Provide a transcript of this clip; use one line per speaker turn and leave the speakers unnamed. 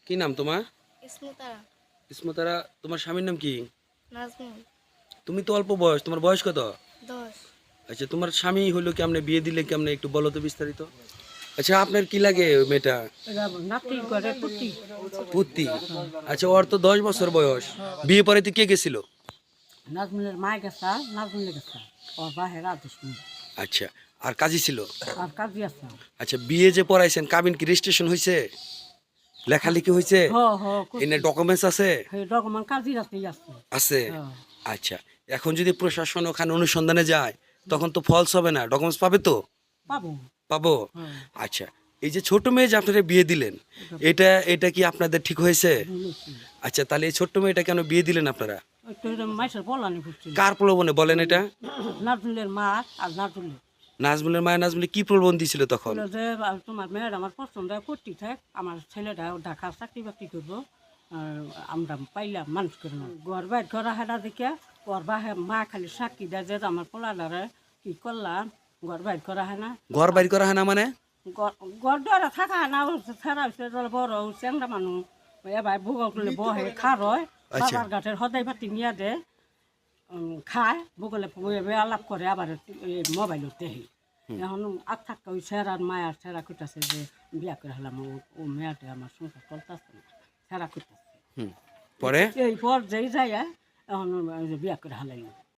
কি নাম তোমার?
ইসমুতারা।
ইসমতারা। তোমার স্বামীর নাম কি?
নাজমুল।
তুমি তো অল্প বয়স, তোমার বয়স কত?
10।
আচ্ছা, তোমার স্বামী হলো কেমনে, বিয়ে দিলে কেমনে, একটু বলো তো বিস্তারিত। আচ্ছা, আপনার কি লাগে ওই মেয়েটা?
নাতি করে পুতি।
পুত্তি। আচ্ছা, ওর তো 10 বছর বয়স। বিয়ে পরে কে গেছিল?
নাজমুলের মা গেছা, নাজমুলে গেছা, ওর বাহের আদেশ নেই।
আচ্ছা, আর কাজী ছিল?
আর কাজী আছে।
আচ্ছা, বিয়ে যে পড়াইছেন, কাবিন কি রেজিস্ট্রেশন হয়েছে, লেখালেখি হয়েছে,
হ হ
এনে ডকুমেন্টস আছে?
ডকুমেন্ট কাজীর আছে আছে।
আছে।
হ্যাঁ।
আচ্ছা, এখন যদি প্রশাসন ওখানে অনুসন্ধানে যায় তখন তো ফলস হবে না, ডকুমেন্টস পাবে তো?
পাবো।
পাবো।
হ্যাঁ।
আচ্ছা, এই যে ছোট মেয়ে যে আপনারা বিয়ে দিলেন, এটা এটা কি আপনাদের ঠিক হয়েছে?
বলেছি
আচ্ছা, তাহলে এই ছোট্ট মেয়েটা কেন বিয়ে দিলেন আপনারা?
একটু মাইসের বলানি করছিল।
কার প্রলোভনে বলেন এটা?
নাজমুলের মা আর নাজমুলের
নাজমুলের মায়ের নাজমুলে কি প্রলোভন দিছিল তখন?
বললো যে তোমার মেয়ের আমার পছন্দ করতে থাক, আমার ছেলেটা ঢাকা চাকরি বাকরি করবো, আর আমরা পাইলাম মানুষ করে না ঘর বাইর করা হেরা দেখে ওর বাহে মা খালি সাক্ষী দেয় যে আমার পোলাডারে কি করলাম, ঘর বাইর করা হয় না।
ঘর বাড়ি করা হয় না মানে?
ঘর দ্বারা থাকা হয় না, ফেরা হচ্ছে বড় চেংরা মানুষ এবার ভোগ করলে বহে খা রয়,
আচ্ছা।
বাবার ঘাটের সদাই পাতি নিয়ে দে খায় ভোগলে আলাপ করে আবার মোবাইলত দেখি। এখন আর থাকা ওই সেরার মায়ার সেরা করতেছে যে বিয়া করে হলাম, ও মেয়েটা আমার সংসার চলতেছে না, সেরা করতেছে।
পরে
এই পর যেই যায় এখন বিয়া করে হালাইল।